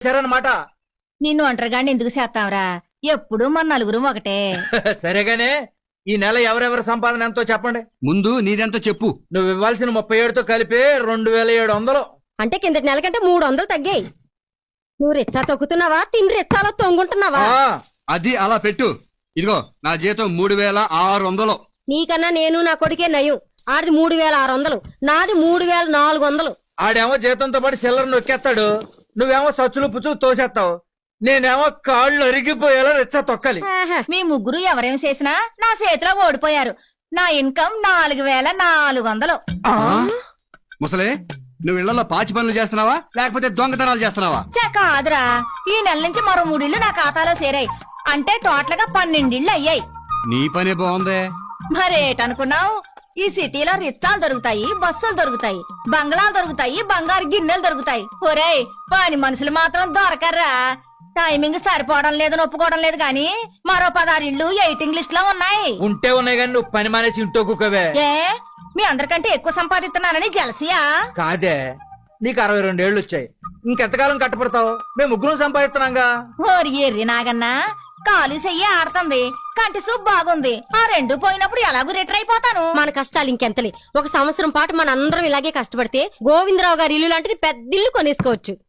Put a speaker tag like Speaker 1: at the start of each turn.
Speaker 1: తెచ్చారన్నమాట.
Speaker 2: నిన్ను ఒంటరిగాండి ఎందుకు చేస్తావురా? ఎప్పుడు మన నలుగురు ఒకటే.
Speaker 1: సరేగానే ఈ నెల ఎవరెవరి సంపాదన ఎంతో చెప్పండి.
Speaker 3: ముందు నీదెంతో చెప్పు.
Speaker 1: నువ్వు ఇవ్వాల్సిన 37తో కలిపి 2700.
Speaker 4: అంటే కిందటి నెల కంటే 300 తగ్గాయి. నువ్వు రెచ్చా తొక్కుతున్నావా, తిని రెచ్చాలో తొంగుంటున్నావా?
Speaker 3: అది అలా పెట్టు. ఇదిగో నా జీతం 3600.
Speaker 4: నీకన్నా నేను నా కొడుకే నయం. ఆడిది 3600, నాది 3400.
Speaker 1: ఆడేమో జీతంతో పాటు సిల్లర్ నొక్కేస్తాడు, నువ్వేమో సచ్చులు పుచ్చులు తోసేస్తావు. నేనేమో కాళ్ళు అరిగిపోయేలా రెచ్చా తొక్కాలి.
Speaker 2: మీ ముగ్గురు ఎవరేం చేసినా నా చేతిలో ఓడిపోయారు. నా ఇన్కమ్ 4400.
Speaker 3: ముసలే, నువ్వు ఇళ్లలో పాచి పనులు చేస్తున్నావా లేకపోతే దొంగతనాలు చేస్తున్నావా?
Speaker 2: కాదురా, ఈ నెల నుంచి మరో 3 ఇళ్లు నా ఖాతాలో చేరాయి. అంటే టోటల్ గా 12 ఇళ్లు అయ్యాయి.
Speaker 3: నీ పనే బాగుందే.
Speaker 2: మరేటనుకున్నావు? ఈ సిటీలో రిచ్చాలు దొరుకుతాయి, బస్సులు దొరుకుతాయి, బంగ్లాలు దొరుకుతాయి, బంగారు గిన్నెలు దొరుకుతాయి. ఒరేయ్, పని మనుషులు మాత్రం దొరకర్రా. టైమింగ్ సరిపోవడం లేదని ఒప్పుకోవడం లేదు గాని మరో 16 ఇళ్లు వెయిటింగ్ లిస్ట్ లో ఉన్నాయి.
Speaker 1: ఉంటే ఉన్నాయి కానీ నువ్వు పని మానేసి ఇంట్లో కుక్కవే.
Speaker 2: ఏ మీ అందరికంటే ఎక్కువ సంపాదిస్తున్నానని జలసియా?
Speaker 1: కాదే, నీకు 62 ఏళ్ళు వచ్చాయి. ఇంకెంతకాలం కట్టపడతావు? మేము ముగ్గురం సంపాదిస్తున్నాంగా.
Speaker 2: ఓరి ఎర్రి నాగన్నా, కాలు చెయ్యి ఆడుతుంది, కంటి సూప్ బాగుంది. ఆ 2 పోయినప్పుడు ఎలాగూ రిటర్ అయిపోతాను.
Speaker 4: మన కష్టాలు ఇంకెంతలే. ఒక సంవత్సరం పాటు మన అందరం ఇలాగే కష్టపడితే గోవిందరావు గారి ఇల్లు లాంటిది పెద్ద ఇల్లు కొనేసుకోవచ్చు.